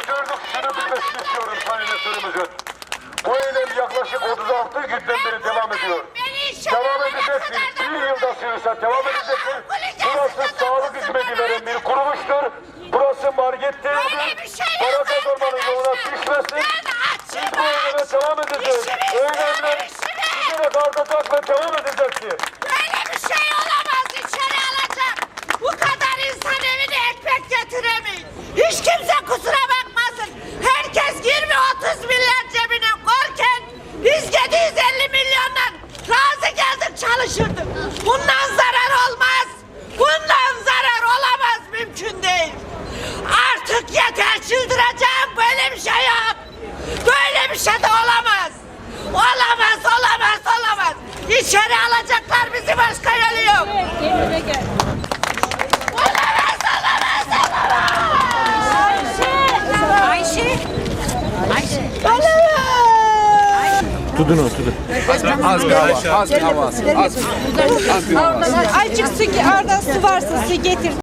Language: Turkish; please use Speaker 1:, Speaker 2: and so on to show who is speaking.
Speaker 1: gördük, şunu bilmesini istiyorum sayın rektörümüzün. Bu eylem yaklaşık 36 günden beri devam ediyor. Devam edecektir. Bir yılda sürse devam edecektir. Burası sağlık hizmeti veren bir kuruluştur. Burası market değildir. Para kazanmanın yoluna düşmesin. Biz bu eyleme devam edeceğiz. Eylemler giderek artacak ve devam edecektir.
Speaker 2: Böyle bir şey olamaz. İçeri alacak. Bu kadar insan evine ekmek getiremeyin. Hiç kimse kusura bakmasın. Herkes 20-30 milyar cebine korken biz 750 milyondan razı geldik çalışırdık. Bundan zarar olmaz. Bundan zarar olamaz. Mümkün değil. Artık yeter, çıldıracağım. Böyle bir şey yok. Böyle bir şey de olamaz. Olamaz, olamaz, olamaz. İçeri alacaklar bizi, başka yolu yok.
Speaker 3: Kendine gel.
Speaker 2: Olamaz, olamaz, olamaz.
Speaker 3: Ayşe.
Speaker 2: Olamaz.
Speaker 4: Tutun onu tutun. Az bir hava, az bir hava. Az bir hava.
Speaker 3: Azıcık su, oradan su varsa su getir.